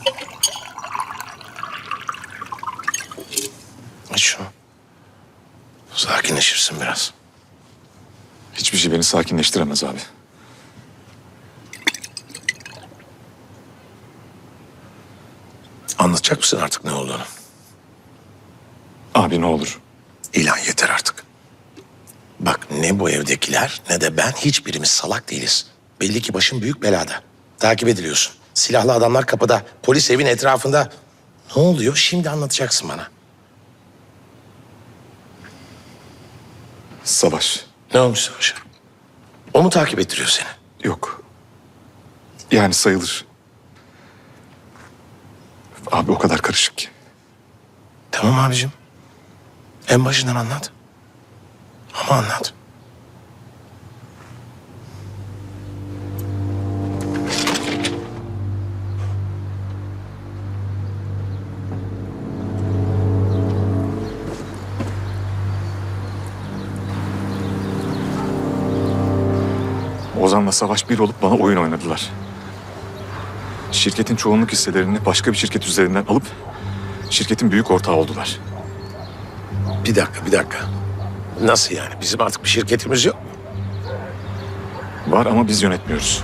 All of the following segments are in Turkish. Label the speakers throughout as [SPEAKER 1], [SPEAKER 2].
[SPEAKER 1] Aç şunu. Sakinleşirsin biraz.
[SPEAKER 2] Hiçbir şey beni sakinleştiremez abi.
[SPEAKER 1] Anlatacak mısın artık ne olduğunu?
[SPEAKER 2] Abi ne olur.
[SPEAKER 1] İlan yeter artık. Bak ne bu evdekiler ne de ben hiçbirimiz salak değiliz. Belli ki başın büyük belada. Takip ediliyorsun. Silahlı adamlar kapıda. Polis evin etrafında. Ne oluyor? Şimdi anlatacaksın bana.
[SPEAKER 2] Savaş.
[SPEAKER 1] Ne olmuş Savaş'a? O mu takip ettiriyor seni?
[SPEAKER 2] Yok. Yani sayılır. Abi o kadar karışık ki.
[SPEAKER 1] Tamam abicim. En başından anlat. Ama anlat.
[SPEAKER 2] Ozan'la Savaş bir olup bana oyun oynadılar. Şirketin çoğunluk hisselerini başka bir şirket üzerinden alıp şirketin büyük ortağı oldular.
[SPEAKER 1] Bir dakika. Nasıl yani? Bizim artık bir şirketimiz yok.
[SPEAKER 2] Var ama biz yönetmiyoruz.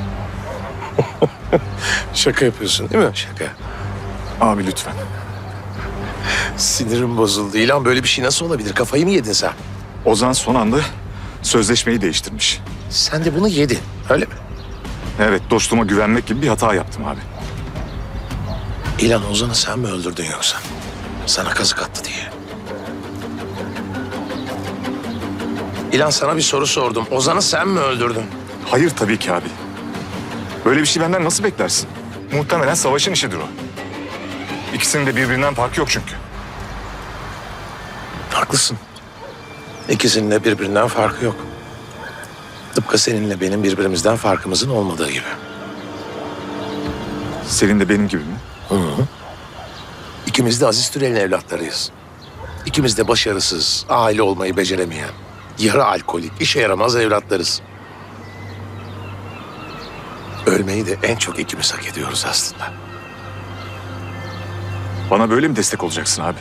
[SPEAKER 1] Şaka yapıyorsun değil mi? Şaka.
[SPEAKER 2] Abi lütfen.
[SPEAKER 1] Sinirim bozuldu. İlan böyle bir şey nasıl olabilir? Kafayı mı yedin sen?
[SPEAKER 2] Ozan son anda sözleşmeyi değiştirmiş.
[SPEAKER 1] Sen de bunu yedin. Öyle mi?
[SPEAKER 2] Evet, dostuma güvenmek gibi bir hata yaptım abi.
[SPEAKER 1] İlan Ozan'ı sen mi öldürdün yoksa? Sana kazık attı diye. İlan sana bir soru sordum. Ozan'ı sen mi öldürdün?
[SPEAKER 2] Hayır tabii ki abi. Böyle bir şey benden nasıl beklersin? Muhtemelen Savaş'ın işidir o. İkisinin de birbirinden farkı yok çünkü.
[SPEAKER 1] Haklısın. İkisinin de birbirinden farkı yok. Tıpkı seninle benim birbirimizden farkımızın olmadığı gibi.
[SPEAKER 2] Senin de benim gibi mi?
[SPEAKER 1] İkimiz de Aziz Türel'in evlatlarıyız. İkimiz de başarısız, aile olmayı beceremeyen, yarı alkolik, işe yaramaz evlatlarız. Ölmeyi de en çok ikimiz hak ediyoruz aslında.
[SPEAKER 2] Bana böyle mi destek olacaksın abi?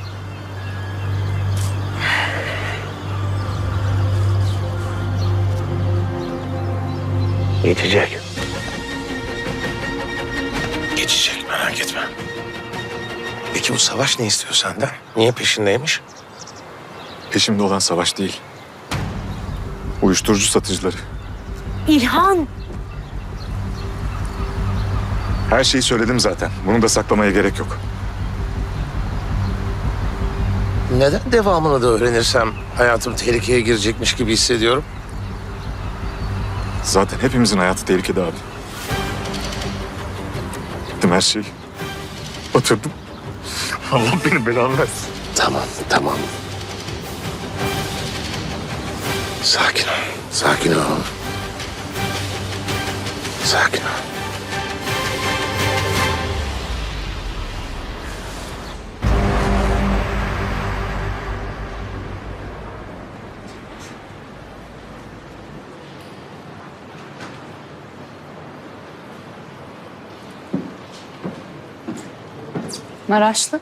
[SPEAKER 1] Geçecek. Geçecek, merak etme. Peki bu Savaş ne istiyor senden? Niye peşindeymiş?
[SPEAKER 2] Peşimde olan Savaş değil. Uyuşturucu satıcıları.
[SPEAKER 3] İlhan!
[SPEAKER 2] Her şeyi söyledim zaten. Bunu da saklamaya gerek yok.
[SPEAKER 1] Neden devamını da öğrenirsem hayatım tehlikeye girecekmiş gibi hissediyorum?
[SPEAKER 2] Zaten hepimizin hayatı tehlikede abi. Gittim her şeyi. Batırdım. Allah beni belanı versin.
[SPEAKER 1] Tamam. Sakin ol, sakin ol. Sakin ol.
[SPEAKER 3] Maraşlı.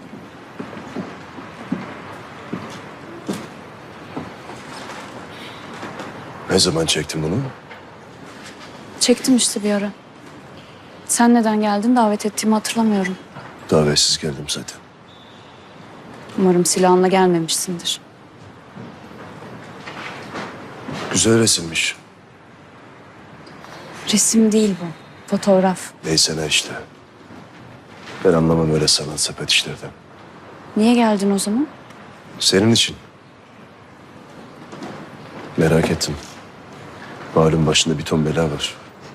[SPEAKER 4] Ne zaman çektin bunu?
[SPEAKER 3] Çektim işte bir ara. Sen neden geldin davet ettiğimi hatırlamıyorum.
[SPEAKER 4] Davetsiz geldim zaten.
[SPEAKER 3] Umarım silahınla gelmemişsindir.
[SPEAKER 4] Güzel resimmiş.
[SPEAKER 3] Resim değil bu. Fotoğraf.
[SPEAKER 4] Neyse ne işte. Ben anlamam öyle sanat sepet işlerden.
[SPEAKER 3] Niye geldin o zaman?
[SPEAKER 4] Senin için. Merak ettim. Malum başında bir ton bela var.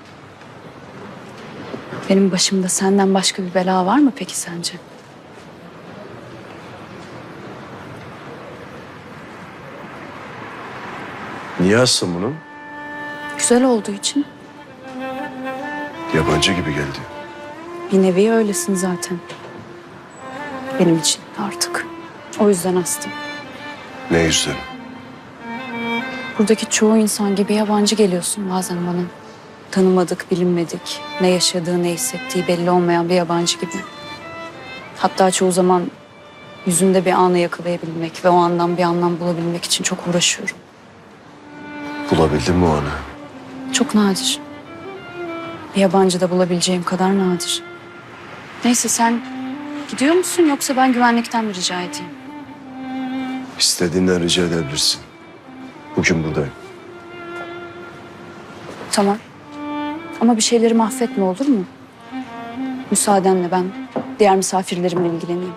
[SPEAKER 3] Benim başımda senden başka bir bela var mı peki sence?
[SPEAKER 4] Niye astın bunu?
[SPEAKER 3] Güzel olduğu için.
[SPEAKER 4] Yabancı gibi geldi.
[SPEAKER 3] Bir nevi öylesin zaten. Benim için artık. O yüzden astım.
[SPEAKER 4] Ne yüzden?
[SPEAKER 3] Buradaki çoğu insan gibi yabancı geliyorsun bazen bana. Tanımadık, bilinmedik. Ne yaşadığı, ne hissettiği belli olmayan bir yabancı gibi. Hatta çoğu zaman yüzünde bir anı yakalayabilmek ve o andan bir anlam bulabilmek için çok uğraşıyorum.
[SPEAKER 4] Bulabildin mi o anı?
[SPEAKER 3] Çok nadir. Bir yabancıda bulabileceğim kadar nadir. Neyse sen gidiyor musun yoksa ben güvenlikten mi rica edeyim?
[SPEAKER 4] İstediğinden rica edebilirsin. Bugün buradayım.
[SPEAKER 3] Tamam. Ama bir şeyleri mahvetme olur mu? Müsaadenle ben diğer misafirlerimle ilgileneyim.